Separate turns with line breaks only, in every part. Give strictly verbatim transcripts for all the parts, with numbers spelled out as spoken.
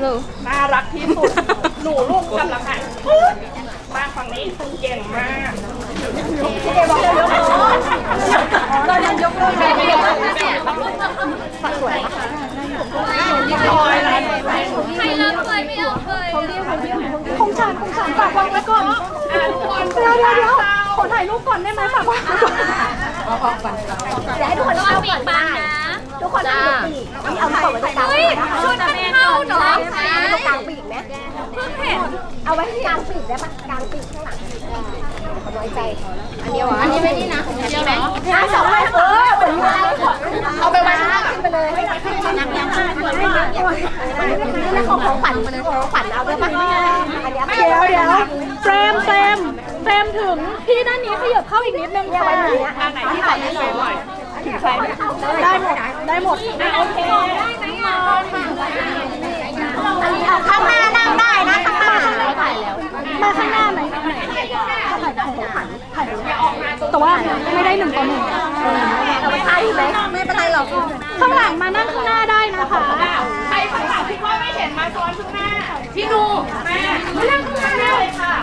น่ารักที่สุดหนูลูกกำลังหันมาฝั่งนี้คุณเก่งมากพี่เดบอกเยอะๆเรายังยกเลยไม่ยกเลยฝักสวยลอยอะไร
ใครรับเคยไม่เอาเคย
คงฉันคงฉันฝากวางไว้ก่อนเดี๋ยวเดี๋ยวเดี๋ยวขอถ่ายรูปก่อนได้ไหมฝากวางไว้ก่อนเอาออกก่อนเดี๋ยวให้ทุกคนเข้าก่อนได้ทุกคนนั่งดูปีกเอาก่อนไว้ตรงกลางปีกนะคะ
ชุดมันเข้าเนาะ
ตรงกลางปีกนะ
เพิ่งเห็น
เอาไว้ที่กลางปีกได้ปะกลางปีกข้างหลังน้อยใจอันเดียวอันนี้ไม่นี่นะอันนี้ไหมห้าสองเออเอาไปไว้ข้างหลังไปเลยนักยังห้าส่วนไม่เยอะนี่ของของขวัญมันของขวัญเอาไปปะอันนี้เดี๋ยวเดี๋ยวเฟรมเฟรมเฟรมถึงพี่ด้านนี้ขยับเข้าอีกนิดนึงค่ะ
อันไหนที่ใส่ไม่ใส่หน่อยใส่
ได้หมดได้หมด
โอเคได้ไหมอ่ะ
อันนี้เอาข้างหน้านั่งได้นะข้างหน้าข้างหน้าถ่ายแล้วมาข้างหน้าไหมแต่ว่าไม่ได้หนึ่งต่อหนึ่งเราไม่ใช่ไหมไม่เป็นไรหรอกข้างหลังมานั่งข้างหน้าได้นะคะ
ใครข้างหลังคิดว่าไม่เห็นมาซ้อนข้างหน้าพี่ดูแม่มานั่งข้างหน้าเลยค่ะ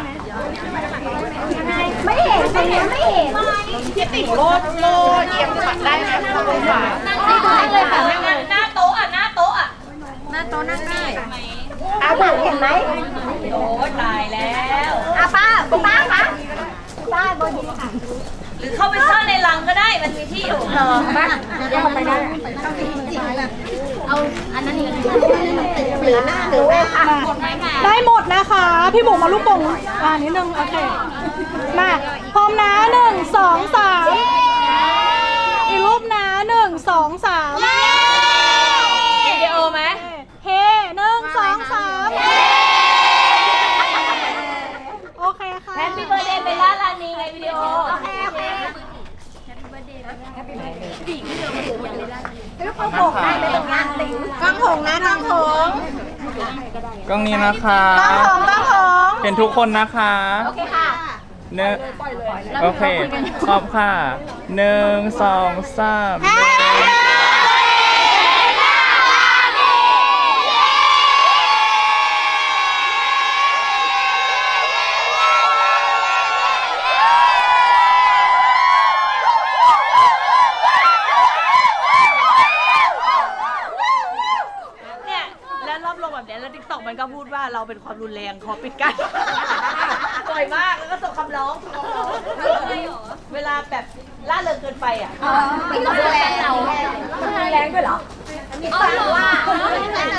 ไม่เห็นตรงนี้ไม่เห็น
พี่ติ่งโลดโลเอียงฝัดได้ไหมขอบคุณค่ะ
นั่งได้เลยค่ะหน้าโต๊ะอ่ะหน้าโต๊ะอ่ะ
หน้าโต๊ะนั่งได้อาหลังเห็นไหม
โอ้ตายแล้ว
อาป้าป้าคะป้าบนนี้ค่ะ
หรือเข้าไปซ่อนในรังก็ได้มันมีที่อยู่
รอป้าเดี๋ยวไปได้เอาอันนั้นหรือหน้าหรือว่าค่ะได้หมดนะคะ พี่บุ๋มมาลูกโป่งอ่านิดนึงโอเคมาพร้อมนะหนึ่งสองสามอีกรูปนะหนึ่งสองสาม
วิดีโอไหม
เฮ้หนึ่งสองสามโอเคค่ะ
แฮปปี้เบิร์ดเดย์เบลล่าลานีไงวิดีโอ
โอเคโอเคลูกโป่งได้ไหมตรงนี้ติ๋งกล้องหงนะกล้องหง
กล้องนี้นะคะ
กล้องหงกล้องหง
เป็นทุกคนนะคะ
โอเคค่ะ
เนโอเคขอบค่ะหนึ่งสองสาม
เนี่ยแล้วรอบลงแบบนี้แล้วติ๊กต็อกมันก็พูดว่าเราเป็นความรุนแรงขอปิดกันบ่อยมากแล้วก็ส่งคำร้องเวลาแบบล่าเริงเกินไปอ่ะ
ไม่ต้องดูแลเราดูแลด้วยเหรอ
เอาเหรอ